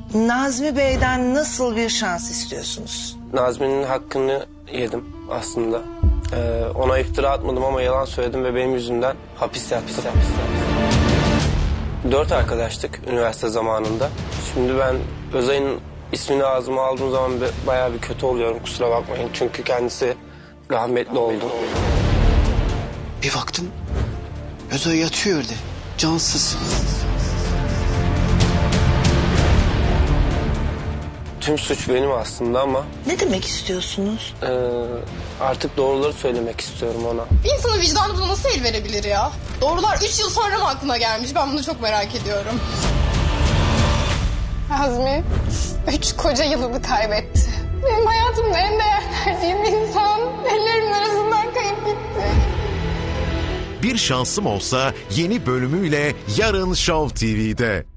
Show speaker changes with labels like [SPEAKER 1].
[SPEAKER 1] Nazmi Bey'den nasıl bir şans istiyorsunuz?
[SPEAKER 2] Nazmi'nin hakkını yedim aslında. Ona iftira atmadım ama yalan söyledim ve benim yüzümden hapis yattı. 4 arkadaştık üniversite zamanında. Şimdi ben Özay'ın ismini ağzıma aldığım zaman bayağı bir kötü oluyorum, kusura bakmayın. Çünkü kendisi rahmetli oldu.
[SPEAKER 3] Bir baktım Özay yatıyor orada, cansız.
[SPEAKER 2] Tüm suç benim aslında ama
[SPEAKER 1] Ne demek istiyorsunuz?
[SPEAKER 2] artık doğruları söylemek istiyorum ona.
[SPEAKER 4] Bir insanın vicdanı buna nasıl el verebilir ya? Doğrular 3 yıl sonra mı aklına gelmiş? Ben bunu çok merak ediyorum. Azmi 3 koca yılını kaybetti. Benim hayatımda en değer verdiğim insan ellerimin arasından kayıp gitti.
[SPEAKER 5] Bir Şansım Olsa yeni bölümüyle yarın Show TV'de.